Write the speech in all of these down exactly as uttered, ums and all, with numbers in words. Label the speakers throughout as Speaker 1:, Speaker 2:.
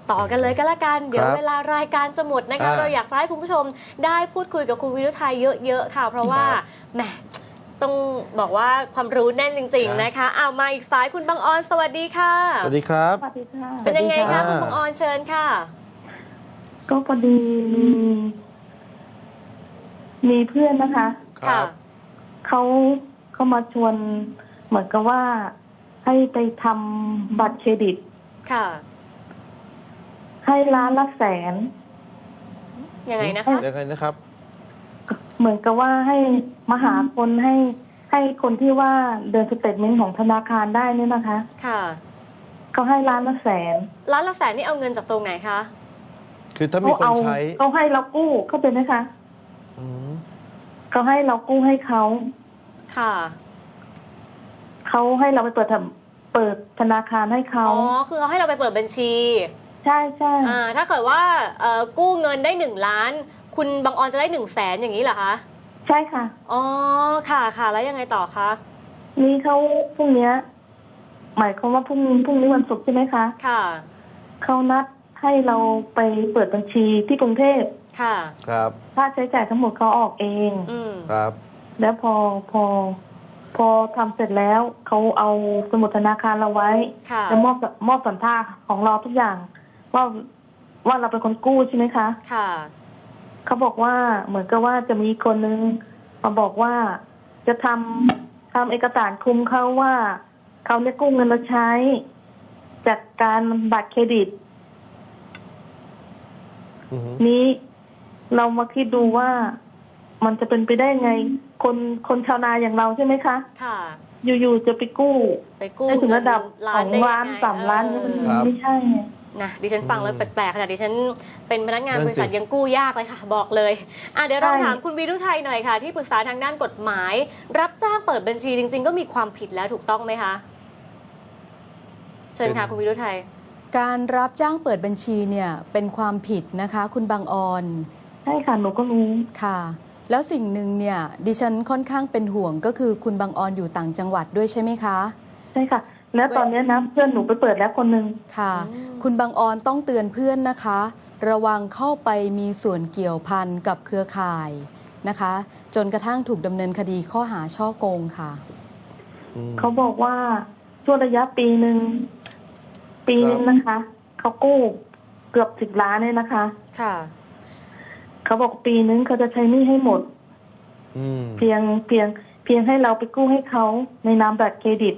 Speaker 1: ต่อกันเลยก็แล้วกันเดี๋ยวเวลารายการจะหมดนะคะเราอยากให้คุณผู้ชมได้พูดคุยกับคุณวิรุทัยเยอะๆค่ะเพราะว่าแหมต้องบอกว่าความรู้แน่นจริงๆนะคะเอามาอีกสายคุณบังออนสวัสดีค่ะ
Speaker 2: สวัสดีครับ
Speaker 3: สวัสดีค่ะ
Speaker 1: เป็นยังไงคะคุณบังออนเชิญค่ะ
Speaker 3: ก็พอดีมีมีเพื่อนนะคะ
Speaker 1: ค่ะ
Speaker 3: เขาเขามาชวนเหมือนกับว่าให้ไปทำบัตรเครดิต
Speaker 1: ค่ะ
Speaker 3: ให้ล้านละแสน
Speaker 1: ยังไงนะคะ
Speaker 2: ยังไงนะครับ
Speaker 3: เหมือนกับว่าให้มาหาคนให้ให้คนที่ว่าเดินสเตทเมนต์ของธนาคารได้เนี่ยนะคะ
Speaker 1: ค่ะ
Speaker 3: เขาให้ล้านละแสน
Speaker 1: ล้านละแสนนี่เอาเงินจากตรงไหนคะ
Speaker 2: คือถ้ามีคนใช้
Speaker 3: เขาให้เรากู้เขาเป็นไหมคะเขาให้เรากู้ให้เขา
Speaker 1: ค่ะ
Speaker 3: เขาให้เราไปเปิดเปิดธนาคารให้เขา
Speaker 1: อ๋อคือเขาให้เราไปเปิดบัญชี
Speaker 3: ใช่ใช่
Speaker 1: อ่าถ้าเกิดว่ากู้เงินได้หนึ่งล้านคุณบังออนจะได้หนึ่งแสนอย่างนี้เหรอคะ
Speaker 3: ใช่ค่ะ
Speaker 1: อ๋อค่ะค่ะแล้วยังไงต่อคะ
Speaker 3: นี่เขาพรุ่งนี้หมายความว่าพรุ่งพรุ่งนี้วันศุกร์ใช่ไหมคะ
Speaker 1: ค่ะ
Speaker 3: เขานัดให้เราไปเปิดบัญชีที่กรุงเทพ
Speaker 1: ค่ะ
Speaker 2: ครับ
Speaker 3: ค่าใช้จ่ายทั้งหมดเขาออกเอง
Speaker 1: อืม
Speaker 2: ครับ
Speaker 3: แล้วพอพอพอทำเสร็จแล้วเขาเอาสมุดธนาคารเราไว้แล้วมอบมอบสัญชาติของเราทุกอย่างว่าว่าเราเป็นคนกู้ใช่ไหมคะ
Speaker 1: ค่ะ
Speaker 3: เขาบอกว่าเหมือนกับว่าจะมีคนนึงมาบอกว่าจะทำทำเอกสารคุมเขาว่าเขาเนี่ยกู้เงินมาใช้จากการบัตรเครดิตนี้เรามาคิดดูว่ามันจะเป็นไปได้ไงคนคนชาวนาอย่างเราใช่ไหมคะ
Speaker 1: ค่ะ
Speaker 3: อยู่ๆจะไปกู้
Speaker 1: ไปกู้
Speaker 3: ได้ถึงระดับสองล้านสามล้านนี่มันไม่ใช่
Speaker 1: นะดิฉันฟังแล้วแปลกๆขนาดดิฉันเป็นพนักงานบริษัทยังกู้ยากเลยค่ะบอกเลยอ่ะเดี๋ยวเราถามคุณวิรุทัยหน่อยค่ะที่ปรึกษาทางด้านกฎหมายรับจ้างเปิดบัญชีจริงๆก็มีความผิดแล้วถูกต้องไหมคะเชิญค่ะคุณวิรุทัย
Speaker 4: การรับจ้างเปิดบัญชีเนี่ยเป็นความผิดนะคะคุณบางออน
Speaker 3: ใช่ค่ะหนูก็รู้
Speaker 4: ค่ะแล้วสิ่งหนึ่งเนี่ยดิฉันค่อนข้างเป็นห่วงก็คือคุณบางออนอยู่ต่างจังหวัดด้วยใช่ไหมคะ
Speaker 3: ใช่ค่ะแล้วตอนนี้นะเพื่อนหนูไปเปิดแล้วคนหนึ่ง
Speaker 4: ค่ะคุณบางออนต้องเตือนเพื่อนนะคะระวังเข้าไปมีส่วนเกี่ยวพันกับเครือข่ายนะคะจนกระทั่งถูกดำเนินคดีข้อหาฉ้อโกงค่ะ
Speaker 3: เขาบอกว่าช่วงระยะปีหนึ่งปีนึงนะคะเขากู้เกือบสิบล้านเลยนะคะ
Speaker 1: ค่ะ
Speaker 3: เขาบอกปีนึงเขาจะใช้หนี้ให้หมดเพียงเพียงเพียงให้เราไปกู้ให้เขาในนามบัตรเครดิต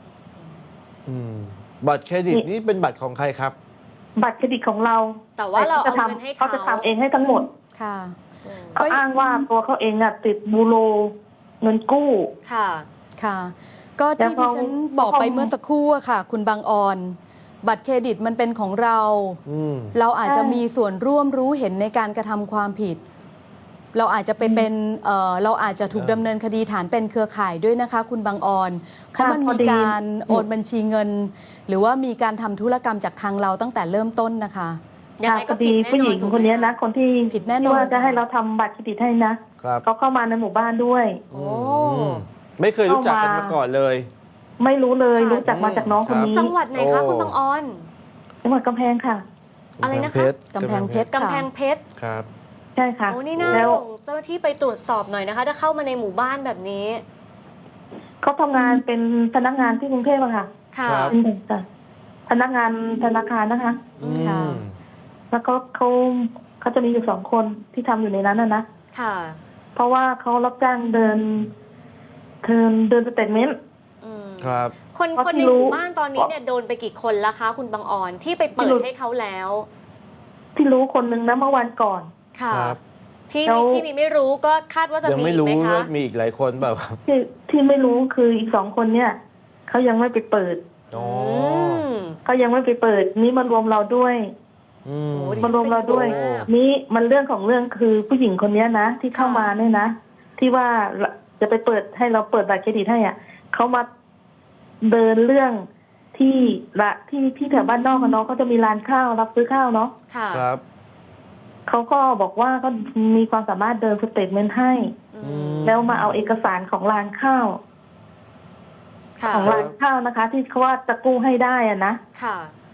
Speaker 2: บัตรเครดิตนี่เป็นบัตรของใครครับ
Speaker 3: บัตรเครดิตของเรา
Speaker 1: แต่ว่าเราเอาเงินให้เขา
Speaker 3: เขาจะทำเองให้ทั้งหมด
Speaker 4: ค่ะ
Speaker 3: เขาอ้างว่าตัวเขาเองอะติดบูโรเงินกู้
Speaker 1: ค่ะ
Speaker 4: ค่ะก็ที่ดิฉันบอกไปเมื่อสักครู่ค่ะคุณบางออนบัตรเครดิตมันเป็นของเราเราอาจจะมีส่วนร่วมรู้เห็นในการกระทำความผิดเราอาจจะไปเป็นเอ่อเราอาจจะถูกดำเนินคดีฐานเป็นเครือข่ายด้วยนะคะคุณบางออนเพราะมันมีการโอนบัญชีเงินหรือว่ามีการทำธุรกรรมจากทางเราตั้งแต่เริ่มต้นนะคะ
Speaker 3: ค่ะพอดีผู้หญิงคนนี้นะคนที่
Speaker 4: ผิดแน่นอน
Speaker 3: ว่าจะให้เราทำบัตรเครดิตให้นะเขาเข้ามาในหมู่บ้านด้วย
Speaker 1: โอ้
Speaker 2: ไม่เคยรู้จักกันมาก่อนเลย
Speaker 3: ไม่รู้เลยรู้จักมาจากน้องคนนี้
Speaker 1: จังหวัดไหนคะคุณบางออน
Speaker 3: จังหวัดกำแพงค่ะ
Speaker 1: อะไรนะคะ
Speaker 4: กำแพงเพชร
Speaker 1: กำแพงเพชร
Speaker 2: ครับ
Speaker 3: ใช่ค่ะ
Speaker 1: โอ้นี่น่าส่งเจ้าหน้าที่ไปตรวจสอบหน่อยนะคะถ้าเข้ามาในหมู่บ้านแบบนี้
Speaker 3: เขาทำงานเป็นพนักงานที่กรุงเทพอะค่ะ
Speaker 1: ค่ะ
Speaker 3: เป็นเด็กจ้ะพนักงานธนาคารนะคะ
Speaker 4: ค่ะ
Speaker 3: แล้วก็เขาเขาจะมีอยู่สองคนที่ทำอยู่ในนั้นน่ะนะ
Speaker 1: ค่ะ
Speaker 3: เพราะว่าเขารับจ้างเดินเดินเดินสเตทเมนต์
Speaker 2: ครับ
Speaker 1: คนคนในหมู่บ้านตอนนี้เนี่ยโดนไปกี่คนแล้วคะคุณบางออนที่ไปเปิดให้เขาแล้ว
Speaker 3: ที่รู้คนนึงนะเมื่อวันก่อน
Speaker 1: ค่ะที่ที่มีไม่รู้ก็คาดว่าจะมีไหมคะยัง
Speaker 2: ไม่รู้ว่ามีอีกหลายคนแบบครับ
Speaker 3: ที่ที่ไม่รู้คืออีกสองคนเนี่ยเขายังไม่ไปเปิดเขายังไม่ไปเปิดนี่มันรวมเราด้วยมันรวมเราด้วยนี่มันเรื่องของเรื่องคือผู้หญิงคนนี้นะที่เข้ามาเนี่ยนะที่ว่าจะไปเปิดให้เราเปิดบัตรเครดิตให้อ่ะเขามาเดินเรื่องที่ละที่ที่แถวบ้านนอกกับน้องเขาจะมีร้านข้าวรับซื้อข้าวเนาะ
Speaker 2: ครับ
Speaker 3: เขาก็บอกว่าก็มีความสามารถเดินสเตทเมนต์ให้แล้วมาเอาเอกสารของร้านข้าวของร้านข้าวนะคะที่เขาว่าจะกู้ให้ได้อ่ะนะ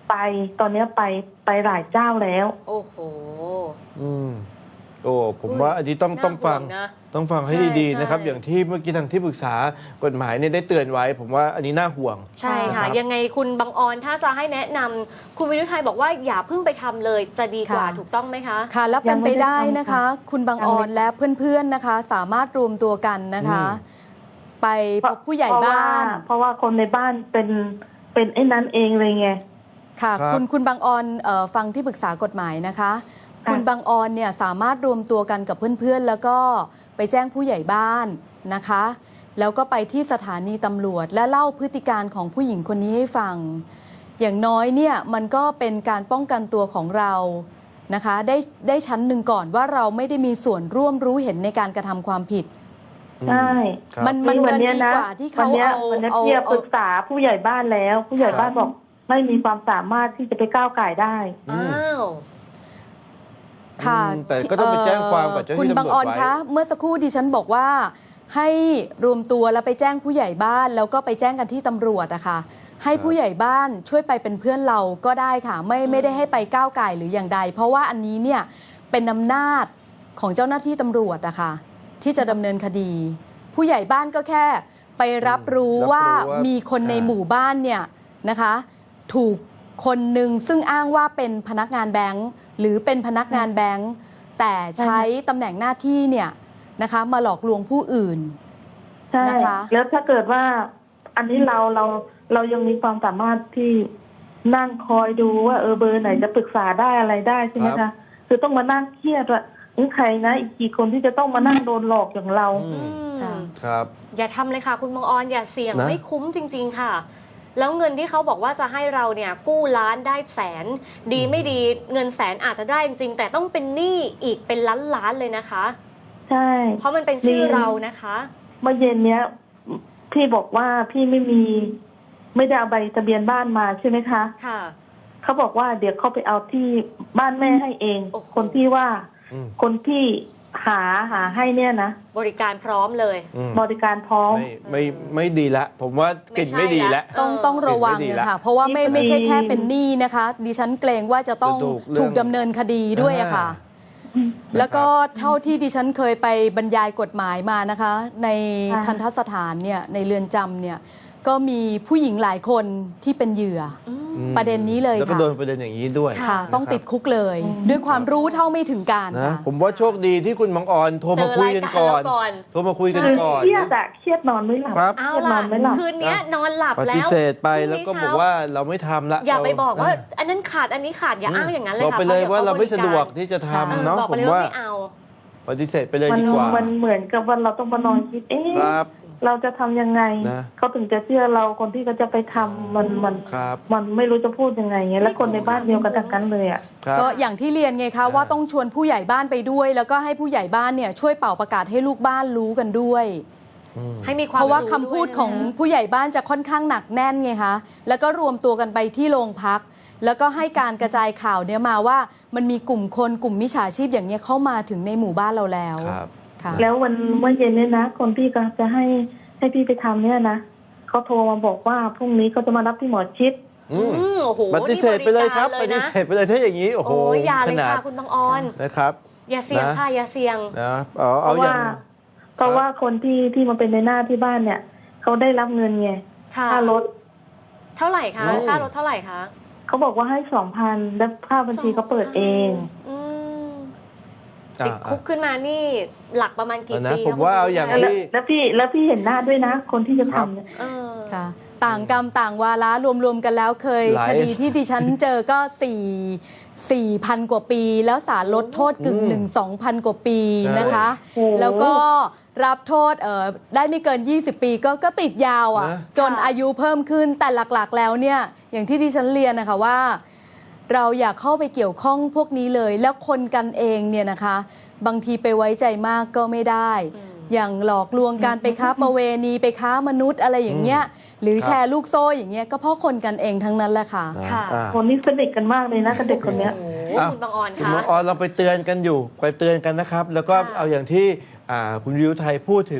Speaker 3: ไปตอนเนี้ยไปไปหลายเจ้าแล้ว
Speaker 1: โอ้โห
Speaker 2: อืมโอ้ผมว่าอันนี้ต้อง
Speaker 1: น่า
Speaker 2: ต้องฟัง
Speaker 1: ห่วงนะ
Speaker 2: ต้องฟังให้
Speaker 1: ใช่
Speaker 2: ดีๆนะครับ
Speaker 1: ใช่
Speaker 2: อย่างที่เมื่อกี้ทางที่ปรึกษากฎหมายเนี่ยได้เตือนไว้ ผมว่าอันนี้น่าห่วง
Speaker 1: ใช่ค่ะ
Speaker 2: ครับ
Speaker 1: ยังไงคุณบังออนถ้าจะให้แนะนำคุณวิรุทัยบอกว่าอย่าเพิ่งไปทำเลยจะดีกว่า
Speaker 4: ค่ะ
Speaker 1: ถูกต้องไหมคะ
Speaker 4: ค่ะแล้วเป็นไปได้นะคะ
Speaker 3: ยังไม่ได้ทำค่ะ
Speaker 4: คุณบางออนและเพื่อนๆนะคะ สามารถรวมตัวกันนะคะ
Speaker 2: อืม
Speaker 4: ไปพบผู้ใหญ่
Speaker 3: เพระว่
Speaker 4: บ้าน
Speaker 3: เพราะว่าคนในบ้านเป็นเป็นไอ้นั้นเองเลยไง
Speaker 4: ค่ะ
Speaker 2: ครับ
Speaker 4: คุณคุณบางออนเอ่อฟังที่ปรึกษากฎหมายนะคะ คุณบางออนเนี่ยสามารถรวมตัวกันกับเพื่อนๆ แล้วก็ไปแจ้งผู้ใหญ่บ้านนะคะ แล้วก็ไปที่สถานีตำรวจ และเล่าพฤติการของผู้หญิงคนนี้ให้ฟัง อย่างน้อยเนี่ยมันก็เป็นการป้องกันตัวของเรานะคะ ได้ได้ชั้นหนึ่งก่อนว่าเราไม่ได้มีส่วนร่วมรู้เห็นในการกระทำความผิด
Speaker 3: ใช่
Speaker 2: ครับ
Speaker 4: มันมัน
Speaker 3: วั
Speaker 4: มัน
Speaker 3: เนี้ย
Speaker 4: ดี
Speaker 3: นะ
Speaker 4: กว่าที่
Speaker 3: วั
Speaker 4: เขา
Speaker 3: เนี้ย
Speaker 4: เอา
Speaker 3: วันเนี้ย
Speaker 4: เอา
Speaker 3: พี่ป
Speaker 4: เอา
Speaker 3: รึกษาผู้ใหญ่บ้านแล้ว ผู้ใหญ่บ้านบอกไม่มีความสามารถที่จะไปก้าวไก่ได้
Speaker 2: อืม
Speaker 1: อ้าว
Speaker 4: ค่ะ
Speaker 2: อืมแต่ก็ต้องไปแจ้งความกับเจ้าหน้าที่
Speaker 4: คุณบางออน
Speaker 2: ตำรวจไว้
Speaker 4: คะ เมื่อสักครู่ดิฉันบอกว่า ให้รวมตัวแล้วไปแจ้งผู้ใหญ่บ้าน แล้วก็ไปแจ้งกันที่ตำรวจอะค่ะ ให้ผู้ใหญ่บ้านช่วยไปเป็นเพื่อนเราก็ได้ค่ะ ไม่ไม่ได้ให้ไปก้าวไก่หรืออย่างใด เพราะว่าอันนี้เนี่ยเป็นอำนาจของเจ้าหน้าที่ตำรวจอะค่ะที่จะดำเนินคดี ผู้ใหญ่บ้านก็แค่ไปรับรู้
Speaker 2: รับรู้
Speaker 4: ว่า
Speaker 2: ว่า
Speaker 4: มีคนใน
Speaker 2: อ่า
Speaker 4: หมู่บ้านเนี่ยนะคะ ถูกคนหนึ่งซึ่งอ้างว่าเป็นพนักงานแบงค์หรือเป็นพนักงานแบงค์แต่ใช้ตำแหน่งหน้าที่เนี่ยนะคะมาหลอกลวงผู้อื่น
Speaker 3: ใช่
Speaker 4: นะคะ
Speaker 3: แล้วถ้าเกิดว่า อันนี้เราเราเรายังมีความสามารถที่นั่งคอยดูว่าเออเบอร์ไหนจะปรึกษาได้อะไรได้ใช่ไหม
Speaker 2: ครั
Speaker 3: คะ
Speaker 2: บ
Speaker 3: คือต้องมานั่งเครียดว่านี่ใครนะอีกกี่คนที่จะต้องมานั่งโดนหลอกอย่างเรา
Speaker 2: อื
Speaker 1: อื
Speaker 2: ม
Speaker 1: ม
Speaker 4: ค่ะ
Speaker 2: ครับ
Speaker 1: อย่าทำเลยค่ะ คุณบังออนอย่าเสี่ยง
Speaker 2: นะ
Speaker 1: ไม่คุ้มจริง ๆ ค่ะ แล้วเงินที่เขาบอกว่าจะให้เราเนี่ยกู้ล้านได้แสน ดีไม่ดีเงินแสนอาจจะได้จริงๆแต่ต้องเป็นหนี้อีกเป็นล้านล้านๆเลยนะคะ
Speaker 3: ใช่
Speaker 1: เพราะมันเป็นชื่อเรานะคะ
Speaker 3: เมื่อเย็นเนี้ยพี่บอกว่าพี่ไม่มี ไม่ได้เอาใบทะเบียนบ้านมาใช่ไหมคะ
Speaker 1: ค่ะ
Speaker 3: เขาบอกว่าเดี๋ยวเขาไปเอาที่บ้านแม่ให้เอง
Speaker 1: โอ้โห
Speaker 3: คนที่ว่า
Speaker 2: อืม
Speaker 3: คนที่หาหาให้เนี่ยนะ
Speaker 1: บริการพร้อมเลย
Speaker 2: อืม
Speaker 3: บริการพร้อม
Speaker 2: ไม่ไม่ไม่ดีละ ผมว่ากลิ่นไม่ดีละ
Speaker 4: ต้องต้องระวัง
Speaker 2: เห็นไม่ดี
Speaker 4: นะ
Speaker 2: ละ
Speaker 4: ค่ะ เพราะว่าไม่
Speaker 3: นี่พอดี
Speaker 4: ไม่ใช่แค่เป็นหนี้นะคะ ดิฉันเกรงว่าจะต้อง
Speaker 2: จะถูกเรื่อง
Speaker 4: ถูกดำเนินคดีด้วยอะค่ะ แล้วก็เท่าที่ดิฉันเคยไปบรรยายกฎหมายมานะคะ ใน
Speaker 3: ค่ะ
Speaker 4: ทันทสถานเนี่ยในเรือนจำเนี่ยก็มีผู้หญิงหลายคนที่เป็นเหยื่อ
Speaker 2: อืม
Speaker 4: ประเด็นนี้เลย
Speaker 2: แล้วก็
Speaker 4: ค่ะ
Speaker 2: โดนประเด็นอย่างนี้ด้วย
Speaker 4: ค่ะ
Speaker 2: นะครับ
Speaker 4: ต้องติดคุกเลย ด้วยความรู้เท่าไม่ถึงการ
Speaker 2: นะ
Speaker 4: ค่ะ
Speaker 2: ผมว่าโชคดีที่คุณบังออนโทรมาคุยกันก่อน
Speaker 1: เจอรายการเราก่อน
Speaker 2: โทรมาคุยกัน
Speaker 3: คือ
Speaker 2: ก่อน
Speaker 3: เครียดอะเครียดนอนไม่หลับ
Speaker 2: ครับ
Speaker 1: เอา
Speaker 3: เครียดน
Speaker 1: ล่ะ
Speaker 3: อนไม่หลับ
Speaker 1: คืนเนี้ยนอนหลับ
Speaker 2: ป
Speaker 1: แล้ว
Speaker 2: ฏิเสธไป
Speaker 1: พรุ่
Speaker 2: แล้ว
Speaker 1: งนี้
Speaker 2: ก็บอก
Speaker 1: เช้
Speaker 2: ว่าเราไม่ทำละ
Speaker 1: อย่าไปบอกว่า
Speaker 2: เ
Speaker 1: อันนั้นขาดอันนี้ขาดอย่าอ้างอย่างนั้นเลย
Speaker 2: บอก
Speaker 1: ค่ะ
Speaker 2: ไปเลย
Speaker 1: พะ
Speaker 2: ว่า
Speaker 1: ดี๋
Speaker 2: เราไม่
Speaker 1: ข
Speaker 2: สะดวก
Speaker 1: บริ
Speaker 2: ที่จะ
Speaker 1: กา
Speaker 2: ทำ
Speaker 1: ร
Speaker 2: เนาะ
Speaker 1: บอก
Speaker 2: ผ
Speaker 1: ไป
Speaker 2: ม
Speaker 1: เลยว่า
Speaker 2: ว่า
Speaker 1: ไม่เอา
Speaker 2: ปฏิเสธไปเลย
Speaker 3: มัน
Speaker 2: ดีกว่า
Speaker 3: มันเหมือนกับว่าเราต้องมานอนคิด เอ๊ะ
Speaker 2: ครับ
Speaker 3: เราจะทำยังไง
Speaker 2: นะ
Speaker 3: เขาถึงจะเชื่อเราคนที่เขาจะไปทำมันมัน
Speaker 2: ครับ
Speaker 3: มันไม่รู้จะพูดยังไงเงี้ยแล้วคนในบ้านเดียวกันทั้งนั้นเลยอ่ะ
Speaker 2: ครับ
Speaker 4: ก็อย่างที่เรียนไงคะว่าต้องชวนผู้ใหญ่บ้านไปด้วย แล้วก็ให้ผู้ใหญ่บ้านเนี่ยช่วยเป่าประกาศให้ลูกบ้านรู้กันด้วย
Speaker 2: อืม
Speaker 1: ให้มีความ
Speaker 4: เพราะว่า
Speaker 1: รู้
Speaker 4: คำพูด
Speaker 1: วยนะ
Speaker 4: ของผู้ใหญ่บ้านจะค่อนข้างหนักแน่นไงคะแล้วก็รวมตัวกันไปที่โรงพัก แล้วก็ให้การกระจายข่าวเนี่ยมาว่ามันมีกลุ่มคนกลุ่มมิจฉาชีพอย่างเนี้ยเข้ามาถึงในหมู่บ้านเราแล้ว
Speaker 2: ครับ
Speaker 4: ค่ะ
Speaker 3: แล้ววันเมื่อเย็นเนี่ยนะ คนที่ก็จะให้ให้พี่ไปทำเนี่ยนะเขาโทรมาบอกว่าพรุ่งนี้เขาจะมารับที่หมอชิด
Speaker 2: อืม
Speaker 1: อืมโอ้โห
Speaker 2: ปฏิเสธไปเลยครับ
Speaker 1: นี่
Speaker 2: ป
Speaker 1: บ
Speaker 2: ฏิ
Speaker 1: กา
Speaker 2: เสธไปเลยถ้าอย่างนี้ โอ้โห
Speaker 1: โอ้ยอย่า
Speaker 2: ข
Speaker 1: เลย
Speaker 2: นาด
Speaker 1: ค่ะคุณบางออน
Speaker 2: นะครับ
Speaker 1: อย่าเสี่ยง
Speaker 2: นะ
Speaker 1: ค่ะอย่าเสี่ยง
Speaker 2: นะเอา
Speaker 3: เพ
Speaker 2: เอา
Speaker 3: ราะ
Speaker 2: อย่า
Speaker 3: ว่าง เพราะว่าคนที่ที่มาเป็นในหน้าที่บ้านเนี่ยเขาได้รับเงินไง
Speaker 1: ค่ะ
Speaker 3: ค่ารถ
Speaker 1: เท่าไหร่คะค่ารถเท่าไหร่คะ
Speaker 3: เขาบอกว่าให้สองพันแล้วค่าบัญชีเขาเปิดเอง
Speaker 1: อืม
Speaker 2: อ่า
Speaker 1: ติดคุกขึ้นมานี่หลักประมาณกี่
Speaker 2: เอานะ
Speaker 1: ปี
Speaker 2: ผมว่าเอาอย่าง
Speaker 1: คะ
Speaker 3: แล้ว
Speaker 2: ที่
Speaker 3: แล้วพี่แล้วพี่เห็นหน้าด้วยนะ คนที่จะทำเนี่ย
Speaker 1: เออ
Speaker 4: ค่ะ ต่างกรรมต่างวาระรวมๆกันแล้วเคย
Speaker 2: หลาย
Speaker 4: คดีที่ดิฉันเจอก็สี่สี่พันกว่าปี แล้วศาลลดโทษกึ่งหนึ่งสองพันกว่าปีนะคะ
Speaker 3: โอ้โห
Speaker 4: แล้วก็รับโทษเอ่อได้ไม่เกิน ยี่สิบ ปีก็ก็ติดยาวอ่ะ
Speaker 2: นะ
Speaker 4: จนอายุเพิ่มขึ้นแต่หลักๆแล้วเนี่ย อย่างที่ดิฉันเรียนนะคะว่า เราอยากเข้าไปเกี่ยวข้องพวกนี้เลย แล้วคนกันเองเนี่ยนะคะ บางทีไปไว้ใจมากก็ไม่ได้ อย่างหลอกลวงการไปค้าประเวณีไปค้ามนุษย์อะไรอย่างเงี้ย หรือ
Speaker 2: ครับ
Speaker 4: แชร์ลูกโซ่อย่างเงี้ยก็เพราะคนกันเองทั้งนั้นแหละค่ะ
Speaker 1: ค่ะ
Speaker 2: อ่า
Speaker 3: คนนี้สนิทกันมากเลยนะกับเด็กคนเนี้ย
Speaker 1: โอ้โห
Speaker 2: อ่ะ
Speaker 1: คุณบางออน
Speaker 2: คุณ
Speaker 1: คะ
Speaker 2: น้องออนเราไปเตือนกันอยู่ไปเตือนกันนะครับ แล้วก็
Speaker 1: ค่ะ
Speaker 2: เอาอย่างที่อ่าคุณวิวไทยพูดถึงว่า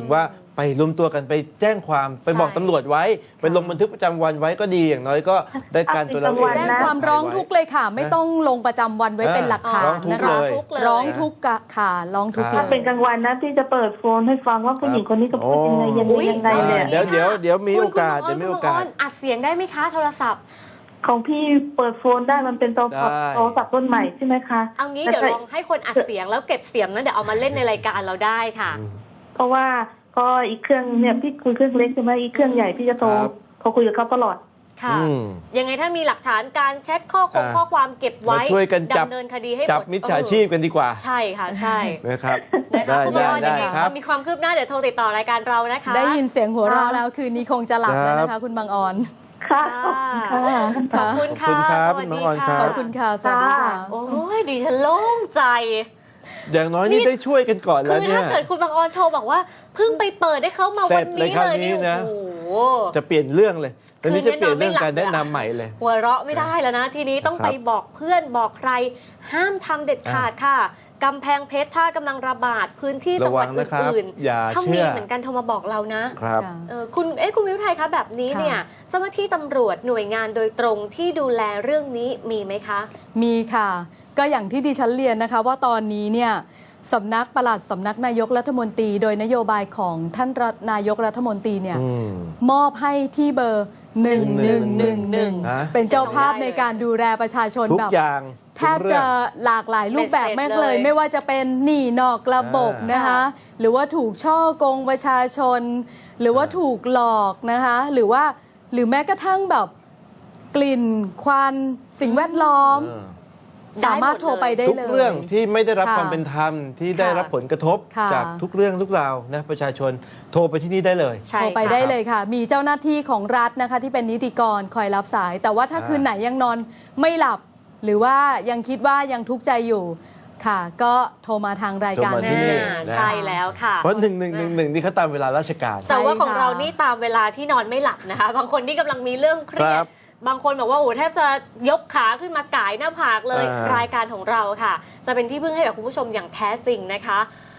Speaker 2: ไปรวมตัวกันไปแจ้งความไปบอกตำรวจไว้ไปลงบันทึกประจำวันไว้ก็ดีอย่างน้อยก็ได้การตัวเราเอง
Speaker 4: แจ้งความร้องทุกข์เลยค่ะ ไม่ต้องลงประจำวันไว้เป็นหลักฐาน
Speaker 2: ร้องทุก
Speaker 4: นะ
Speaker 2: ข์
Speaker 4: คะ
Speaker 2: เลย
Speaker 4: ร้องทุกข์กะค่ะร้องทุกข์เล
Speaker 3: ถ้าย เป็นกลางวันนะพี่จะเปิดโฟนให้ฟังว่าผู้หญิงคนนี้ก็พูดยังไงยังไงยังไงเนี่ย
Speaker 2: เดี๋ยวเดี๋ยวเดี๋ยวมี
Speaker 1: คุณ
Speaker 2: โอกาส
Speaker 1: คุณ
Speaker 2: เดี๋ยวมี
Speaker 1: คุณ
Speaker 2: โอกาส
Speaker 1: คุณอัดเสียงได้ไหมคะโทรศัพท์
Speaker 3: ของพี่เปิดโฟนได้มันเป็นโทรศัพท์
Speaker 2: ได้
Speaker 3: โทรศัพท์รุ่นใหม่ใช่ไหมคะ
Speaker 1: เอางี้เดี๋ยวลองให้คนอัดเสียงแล้วเก็บเสียงนั้นเดี๋ยวเอามาเล่นในรายการเราได้ค่ะ
Speaker 3: เพราะว่าก็อีกเครื่องเนี่ยพี่คุยเครื่องเล็กใช่ไหมอีกเครื่องใหญ่พี่จะโทร
Speaker 2: ครับ
Speaker 3: โทรคุยกับเขาตลอด
Speaker 1: ค่ะ
Speaker 2: อืม
Speaker 1: ยังไงถ้ามีหลักฐานการแชทข้อคง
Speaker 2: อ่า
Speaker 1: ข้อความเก็บไว้
Speaker 2: มาช่วยกันจับ
Speaker 1: ดำเนินคดีให้หมด
Speaker 2: จับมิจฉาชีพกันดีกว่า
Speaker 1: ใช่ค่ะใช่
Speaker 2: นะครับ
Speaker 1: นะคะ
Speaker 2: ได้
Speaker 1: คุณ
Speaker 2: ได้
Speaker 1: บอล
Speaker 2: ได้
Speaker 1: ยังไง
Speaker 2: ครับ
Speaker 1: มีความคืบหน้าเดี๋ยวโทรติดต่อรายการเรานะคะ
Speaker 4: ได้ยินเสียงหัวเราะแล้วคืนนี้คงจะหลับแล้วนะ
Speaker 2: ครั
Speaker 4: คะ
Speaker 2: บ
Speaker 4: คุณบางออน
Speaker 3: ค่ะ
Speaker 1: ค่ะ
Speaker 3: ขอบคุณค่ะ
Speaker 1: ขอบคุณค่ะ
Speaker 2: ขอบคุณครับ
Speaker 1: สวัส
Speaker 2: น้
Speaker 1: ดี
Speaker 2: องออนครั
Speaker 1: ค่ะ
Speaker 4: ขอบคุณค่ะสวัสดีค่ะ
Speaker 1: โอ้ยดิฉันโล่งใจ
Speaker 2: อย่างน้อยนี่ได้ช่วยกันก่อน
Speaker 1: คื
Speaker 2: แล้ว
Speaker 1: อ
Speaker 2: เนี่
Speaker 1: ถ้าย เกิดคุณบางออนโทรบอกว่าเพิ่งไปเปิดให้เขามา
Speaker 2: เสร็
Speaker 1: วัน
Speaker 2: จเลย
Speaker 1: นี้
Speaker 2: คราว
Speaker 1: เลย
Speaker 2: นี้
Speaker 1: เนี่ย
Speaker 2: นะ
Speaker 1: โอ้โห
Speaker 2: จะเปลี่ยนเรื่องเลยตอนนี้
Speaker 1: คื
Speaker 2: จะ
Speaker 1: นนี้
Speaker 2: เปลี่ยนเรื่อง
Speaker 1: นอนไม่หลับ
Speaker 2: การแนะ
Speaker 1: เลยอะ
Speaker 2: นำใหม่เลย
Speaker 1: หัวเราะไม่ได้แล้วนะ ทีนี้ต้อง
Speaker 2: ครับ
Speaker 1: ไปบอกเพื่อนบอกใคร ห้ามทำเด็ดขาดค่ะกำแพงเพชรถ้ากำลังระบาดพื้นที่จังหวัด
Speaker 2: ระวังนะครับ
Speaker 1: อื่น
Speaker 2: อย่า
Speaker 1: ๆถ้า
Speaker 2: เชื่
Speaker 1: มี
Speaker 2: อ
Speaker 1: เหมือนกันโทรมาบอกเรานะ
Speaker 2: ครับ
Speaker 4: ค่ะ
Speaker 1: เออคุณเอ๊ะคุณวิวไทยคะแบบนี้
Speaker 4: ค่ะ
Speaker 1: เนี่ยเจ้าหน้าที่ตำรวจหน่วยงานโดยตรงที่ดูแลเรื่องนี้มีไหมคะ
Speaker 4: มีค่ะ ก็อย่างที่ดิฉันเรียนนะคะ ว่าตอนนี้เนี่ยสำนักปลัดสำนักนายกรัฐมนตรี โดยนโยบายของท่านรัฐนายกรัฐมนตรีเนี่ย
Speaker 2: อืม
Speaker 4: มอบให้ที่เบอร์หนึ่งหนึ่งหนึ่งหนึ่ง
Speaker 2: ฮะ
Speaker 4: เป็นเจ้าภาพในการดูแลประชาชน
Speaker 2: ทุก
Speaker 4: แบบ
Speaker 2: อย่าง
Speaker 4: แทบจะหลากหลายรูปแบบ
Speaker 1: เบ็ดเสร็จ
Speaker 4: แม่งเลย
Speaker 1: เลย
Speaker 4: ไม่ว่าจะเป็นหนี้นอกระบบ
Speaker 2: อ่าน
Speaker 4: นะคะ หรือว่าถูกช่อกงประชาชน หรือว่าถูกหลอกนะคะ หรือว่าหรือแม้กระทั่งแบบกลิ่นควันสิ่งแวดล้อม
Speaker 2: เออ
Speaker 4: สามารถโทรไปได้
Speaker 2: ทุก
Speaker 4: เลย
Speaker 2: เรื่องที่ไม่ได้รับ
Speaker 4: ค่ะ
Speaker 2: ความเป็นธรรมที่ได้
Speaker 4: ค่ะ
Speaker 2: รับผลกระทบ
Speaker 4: ค่ะ
Speaker 2: จากทุกเรื่องทุกราวนะประชาชนโทรไปที่นี่ได้เลย
Speaker 1: ใช่
Speaker 4: โทรไป
Speaker 1: ค่ะ
Speaker 4: ได้เลยค่ะ มีเจ้าหน้าที่ของรัฐนะคะ ที่เป็นนิติกรคอยรับสาย แต่ว่าถ้า
Speaker 2: อ่า
Speaker 4: คืนไหนยังนอนไม่หลับ หรือว่ายังคิดว่ายังทุกข์ใจอยู่ค่ะ ก็โทรมาทางรายการ
Speaker 2: โทรมาที่นี่
Speaker 1: อ่าใช่แล้วค่ะ
Speaker 2: เพราะหนึ่งหนึ่งหนึ่งหนึ่งนี่เขาตามเวลาราชการ
Speaker 1: แต่ว่าของ
Speaker 4: ใช่ค่ะ
Speaker 1: เรานี่ตามเวลาที่นอนไม่หลับนะคะ บางคนที่กำลังมีเรื่องเครีย
Speaker 2: ครั
Speaker 1: ด
Speaker 2: บ
Speaker 1: บางคนบอกว่าโอ้แทบจะยกขาขึ้นมาก่ายหน้าผากเลย
Speaker 2: อ่าร
Speaker 1: ายการของเราค่ะ จะเป็นที่พึ่งให้กับคุณผู้ชมอย่างแท้จริงนะคะ